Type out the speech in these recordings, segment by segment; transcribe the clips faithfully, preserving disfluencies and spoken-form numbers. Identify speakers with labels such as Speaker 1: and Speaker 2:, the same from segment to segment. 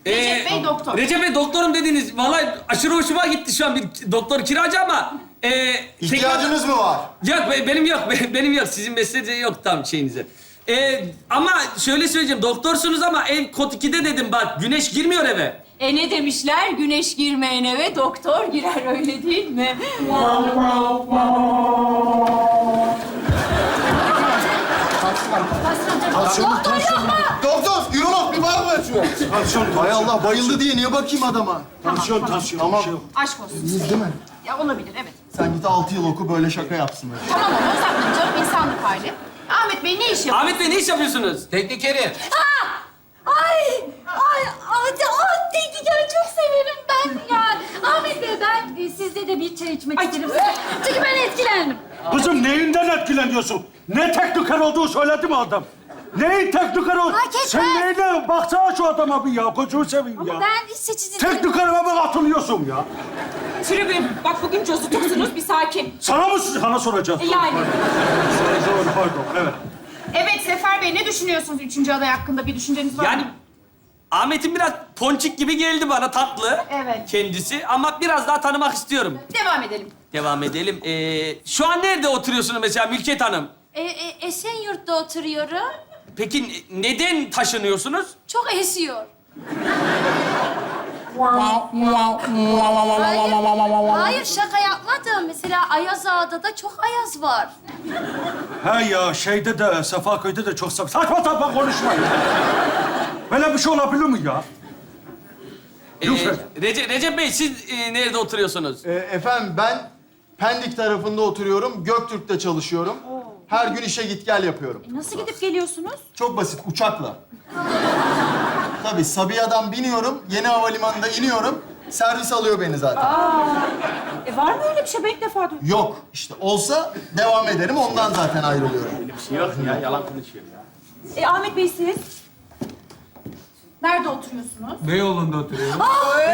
Speaker 1: Recep Bey doktor.
Speaker 2: Recep Bey doktorum dediniz. Vallahi aşırı hoşuma gitti şu an bir doktor kiracı ama... E,
Speaker 3: İhtiyacınız mı var?
Speaker 2: Yok be- benim yok. be- Benim yok. Sizin mesleğinize yok tam şeyinize. E, ama şöyle söyleyeceğim. Doktorsunuz ama en kod ikide dedim bak. Güneş girmiyor eve.
Speaker 1: E ne demişler? Güneş girmeyen eve doktor girer, öyle değil mi? Doktor yok mu?
Speaker 3: Doktor, ürolog bir bak ver şuna.
Speaker 4: Tansiyon,
Speaker 3: Hay Allah, bayıldı diye niye bakayım adama?
Speaker 4: tansiyon, tansiyon.
Speaker 3: Tamam.
Speaker 4: Bir şey yok.
Speaker 1: Aşk olsun.
Speaker 3: İyiyiz değil mi?
Speaker 1: Ya olabilir, evet.
Speaker 3: Sen git altı yıl oku, böyle şaka yapsınlar.
Speaker 1: Tamam ama uzatmayın canım, insanlık hali. Ahmet Bey ne iş yapıyor?
Speaker 2: Ahmet Bey ne iş yapıyorsunuz?
Speaker 5: Teknikeri.
Speaker 6: Ay, ay, ay, ay tekniker çok severim ben ya. Ahmet Bey, ben e, sizde de bir çay içmek isterim. Çünkü ben etkilendim.
Speaker 4: Kızım neyinden etkileniyorsun? Ne tekniker olduğu söyledi mi adam? Neyin tekniker olduğu?
Speaker 6: Fark etmez.
Speaker 4: Sen neyine? Baksana şu adama bir ya. Kocuğu seveyim ya.
Speaker 6: Ama ben seçici...
Speaker 4: Teknikerime mi atılıyorsun ya?
Speaker 1: Tribün, bak bugün cozutuksunuz, bir sakin.
Speaker 4: Sana mı sana soracağım?
Speaker 1: E yani.
Speaker 4: Doğru, pardon, evet.
Speaker 1: Evet Sefer Bey, ne düşünüyorsunuz üçüncü aday hakkında? Bir düşünceniz var
Speaker 2: Yani
Speaker 1: mı?
Speaker 2: Ahmet'in biraz ponçik gibi geldi bana tatlı.
Speaker 1: Evet.
Speaker 2: Kendisi ama biraz daha tanımak istiyorum.
Speaker 1: Devam edelim.
Speaker 2: Devam edelim. Ee, şu an nerede oturuyorsunuz mesela Mülket Hanım?
Speaker 6: E, e, Esenyurt'ta oturuyorum.
Speaker 2: Peki ne- neden taşınıyorsunuz?
Speaker 6: Çok esiyor. Hayır, hayır şaka yapmadım. Mesela Ayaz Ağa'da da çok ayaz var.
Speaker 4: He ya, şeyde de, Sefaköy'de de çok saçma sapan konuşma ya. Böyle bir şey olabilir mi ya?
Speaker 2: Ee,
Speaker 4: Lütfen.
Speaker 2: Recep, Recep Bey siz e, nerede oturuyorsunuz?
Speaker 3: Ee, efendim ben Pendik tarafında oturuyorum, Göktürk'te çalışıyorum. Her gün işe git gel yapıyorum.
Speaker 1: E, nasıl gidip geliyorsunuz?
Speaker 3: Çok basit, uçakla. Tabii Sabiha'dan biniyorum, yeni havalimanında iniyorum. Servis alıyor beni zaten.
Speaker 1: E var mı öyle bir şey? Ben ilk defa duydum.
Speaker 3: Yok, işte olsa devam ederim, ondan zaten ayrılıyorum.
Speaker 2: Bir şey yok ya, yalan konuşuyor ya.
Speaker 1: E Ahmet Bey siz? Nerede oturuyorsunuz?
Speaker 5: Beyoğlu'nda oturuyorum.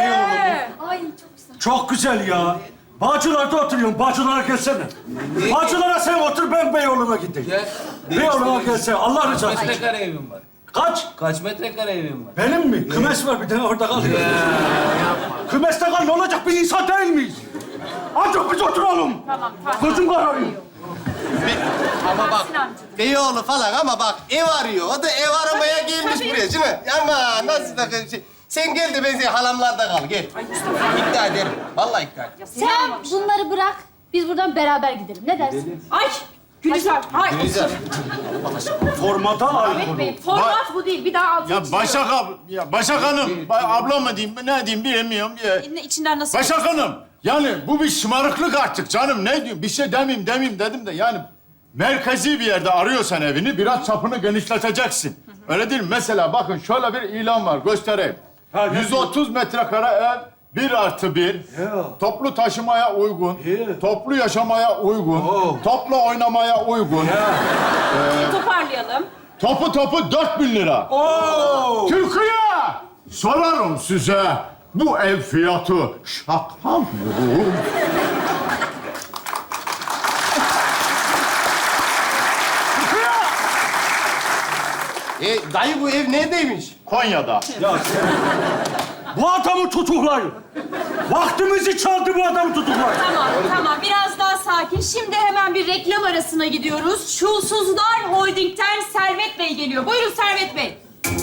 Speaker 6: Ay çok güzel.
Speaker 4: Çok güzel ya. Bağcılar'da oturuyorum. Bağcılar'a gelsene. Bağcılar'a sen otur, ben Beyoğlu'na gideyim.
Speaker 5: Gel.
Speaker 4: Beyoğlu'na gelsene. Allah
Speaker 5: Kaç
Speaker 4: rızası için.
Speaker 5: metrekare evim var?
Speaker 4: Kaç?
Speaker 5: Kaç metrekare evim var?
Speaker 4: Benim mi? Kümes var bir tane orada kalıyor. Kümeste kal, ne olacak? Biz insan değil miyiz? Ancak biz oturalım.
Speaker 1: Tamam, tamam.
Speaker 4: Gözüm kararıyor.
Speaker 7: Ama bak, Beyoğlu falan ama bak ev arıyor. O da ev aramaya gelmiş
Speaker 1: tabii.
Speaker 7: buraya değil mi? Ama nasıl da şey. Sen gel de ben senin halamlarda kal, gel. İkna ederim. Vallahi ikna ederim.
Speaker 6: Sen bunları bırak, biz buradan beraber gidelim. Ne dersin?
Speaker 1: Ay! Gülizar, hayır.
Speaker 7: Güzel.
Speaker 4: Formata
Speaker 1: Ahmet
Speaker 4: aykırı.
Speaker 1: Bey, format bu değil. Bir daha altını
Speaker 8: Ya
Speaker 1: çiziyorum.
Speaker 8: Başak ab ya Başak Hanım, ba- abla mı diyeyim, ne diyeyim bilemiyorum. Ya.
Speaker 1: Ne- İçinden nasıl...
Speaker 8: Başak Hanım, yani bu bir şımarıklık artık canım. Ne diyeyim, bir şey demeyeyim demeyeyim dedim de yani merkezi bir yerde arıyorsan evini biraz çapını genişleteceksin. Öyle değil mi? Mesela bakın şöyle bir ilan var, göstereyim.
Speaker 4: Ha, ne
Speaker 8: yüz otuz metrekare ev, bir artı bir,
Speaker 4: Ya.
Speaker 8: toplu taşımaya uygun,
Speaker 4: Ya.
Speaker 8: toplu yaşamaya uygun,
Speaker 4: Oo.
Speaker 8: toplu oynamaya uygun,
Speaker 1: Toparlayalım.
Speaker 8: topu topu dört bin lira.
Speaker 4: Oo!
Speaker 8: Türkiye! Sorarım size, bu ev fiyatı şaka mı?
Speaker 7: E, dayı bu ev neredeymiş?
Speaker 8: Konya'da.
Speaker 4: Ya sen... Bu adamı tutuklayın. Vaktimizi çaldı, bu adamı tutuklayın.
Speaker 1: Tamam, tamam. Biraz daha sakin. Şimdi hemen bir reklam arasına gidiyoruz. Şulsuzlar Holding'ten Servet Bey geliyor. Buyurun Servet Bey.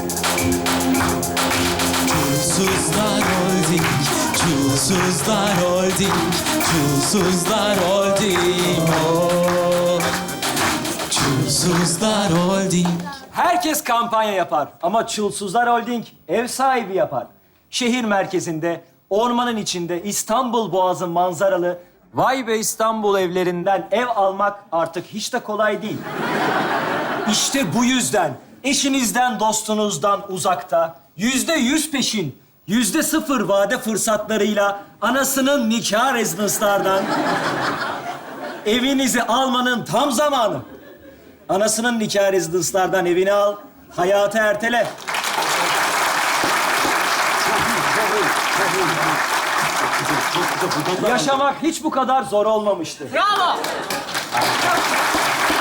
Speaker 9: Çulsuzlar Holding, Çulsuzlar Holding, Çulsuzlar Holding, oh. Çulsuzlar Holding.
Speaker 10: Herkes kampanya yapar ama Çulsuzlar Holding ev sahibi yapar. Şehir merkezinde, ormanın içinde, İstanbul Boğazı manzaralı Vay Be İstanbul evlerinden ev almak artık hiç de kolay değil. İşte bu yüzden eşinizden, dostunuzdan uzakta, yüzde yüz peşin, yüzde sıfır vade fırsatlarıyla anasının nikah rezidanslardan evinizi almanın tam zamanı. Anasının nikah rezidanslardan evini al, hayatı ertele. Yaşamak hiç bu kadar zor olmamıştı.
Speaker 1: Bravo.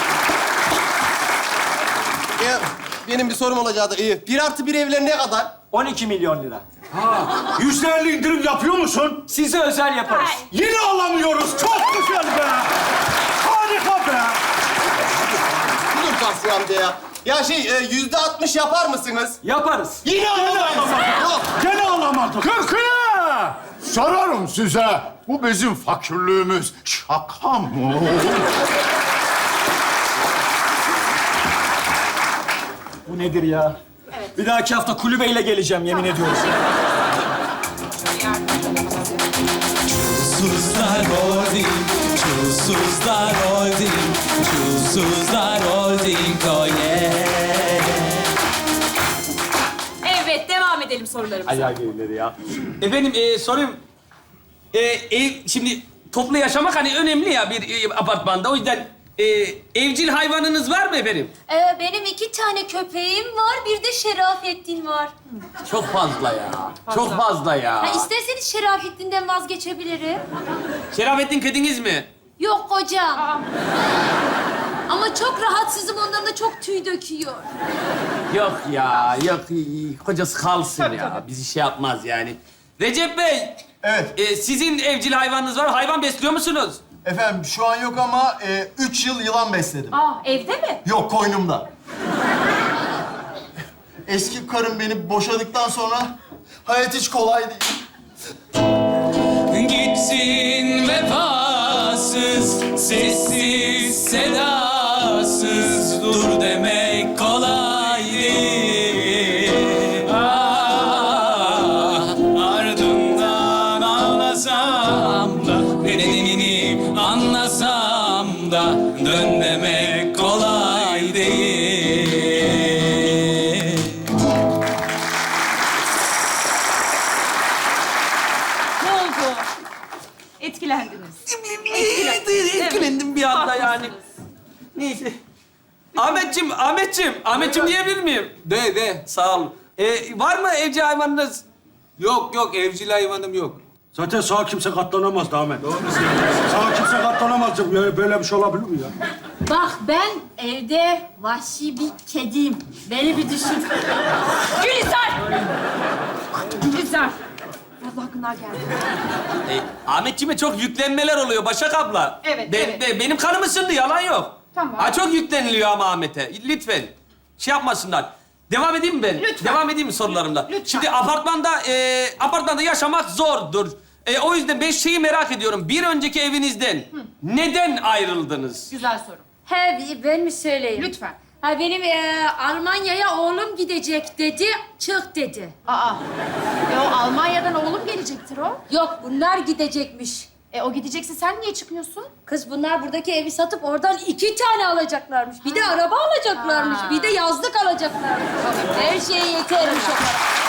Speaker 7: E, benim bir sorum olacaktı. E, bir artı bir evler ne kadar?
Speaker 10: on iki milyon lira.
Speaker 4: Yüzde elli indirim yapıyor musun?
Speaker 10: Size özel yaparız.
Speaker 4: Yine alamıyoruz. Çok güzel be. Harika be.
Speaker 7: Dur Tahsin amca ya. Ya şey e, yüzde altmış yapar mısınız?
Speaker 10: Yaparız.
Speaker 7: Yine alamayız. Yok.
Speaker 4: Gene alamadık.
Speaker 8: Kırkıya! Sorarım size. Bu bizim fakirliğimiz şaka mı?
Speaker 10: Bu nedir ya? Bir dahaki hafta kulübeyle geleceğim yemin ediyorum.
Speaker 9: Çulsuzlar Holding, Çulsuzlar Holding, Çulsuzlar Holding, oh yeah.
Speaker 1: Evet, devam edelim sorularımıza.
Speaker 10: Ayağı gerileri ya.
Speaker 2: Efendim e, sorayım. E, ev, şimdi toplu yaşamak hani önemli ya bir e, apartmanda. O yüzden e, evcil hayvanınız var mı efendim?
Speaker 6: Ee, benim iki tane köpeğim var, bir de Şerafettin var.
Speaker 2: Çok fazla ya. Çok fazla ya.
Speaker 6: Ha, isterseniz Şerafettin'den vazgeçebilirim.
Speaker 2: Şerafettin kediniz mi?
Speaker 6: Yok kocam. Ama çok rahatsızım, ondan da çok tüy döküyor.
Speaker 2: Yok ya, yok. Kocası kalsın ya. Bizi şey yapmaz yani. Recep Bey,
Speaker 3: Evet.
Speaker 2: e, sizin evcil hayvanınız var. Hayvan besliyor musunuz?
Speaker 3: Efendim şu an yok ama e, üç yıl yılan besledim.
Speaker 1: Aa, evde mi?
Speaker 3: Yok koynumda. Eski karım beni boşadıktan sonra hayat hiç kolay değil.
Speaker 9: Gitsin vefasız, sessiz, sedasız, dur demek kolay değil. Ah, ardından ağlasam da, nedenini anlasam da, dön demek kolay değil.
Speaker 1: Ne oldu? Etkilendiniz.
Speaker 2: Etkilendim bir anda yani. Neyse. Ahmetciğim, Ahmetciğim, Ahmetciğim diyebilir miyim?
Speaker 5: De de.
Speaker 2: Sağ olun. E, var mı evcil hayvanınız?
Speaker 5: Yok yok evcil hayvanım yok.
Speaker 4: Zaten sağa kimse katlanamaz Ahmet. Sağa kimse katlanamaz. Ya böyle bir şey olabilir mi ya?
Speaker 6: Bak ben evde vahşi bir kediyim. Beni bir düşün.
Speaker 1: Gülizar! Gülizar. Allah günler geldi.
Speaker 2: E, Ahmetciğime çok yüklenmeler oluyor Başak abla.
Speaker 1: Evet,
Speaker 2: Ben-
Speaker 1: evet.
Speaker 2: ben- benim kanım ısındı, yalan yok.
Speaker 1: Tamam.
Speaker 2: Ha, çok yükleniliyor ama Ahmet'e. Lütfen. Şey yapmasınlar. Devam edeyim mi ben?
Speaker 1: Lütfen.
Speaker 2: Devam edeyim mi sorularımla?
Speaker 1: Lütfen.
Speaker 2: Şimdi apartmanda, e, apartmanda yaşamak zordur. E, o yüzden ben şeyi merak ediyorum. Bir önceki evinizden neden ayrıldınız?
Speaker 1: Güzel soru.
Speaker 6: He ben mi söyleyeyim?
Speaker 1: Lütfen.
Speaker 6: Ha benim e, Almanya'ya oğlum gidecek dedi, çık dedi.
Speaker 1: Aa. E o Almanya'dan oğlum gelecektir o.
Speaker 6: Yok bunlar gidecekmiş.
Speaker 1: E o gidecekse sen niye çıkmıyorsun?
Speaker 6: Kız bunlar buradaki evi satıp oradan iki tane alacaklarmış. Bir de araba alacaklarmış.
Speaker 1: Ha.
Speaker 6: Bir de yazlık alacaklarmış. Her şey yetermiş o para.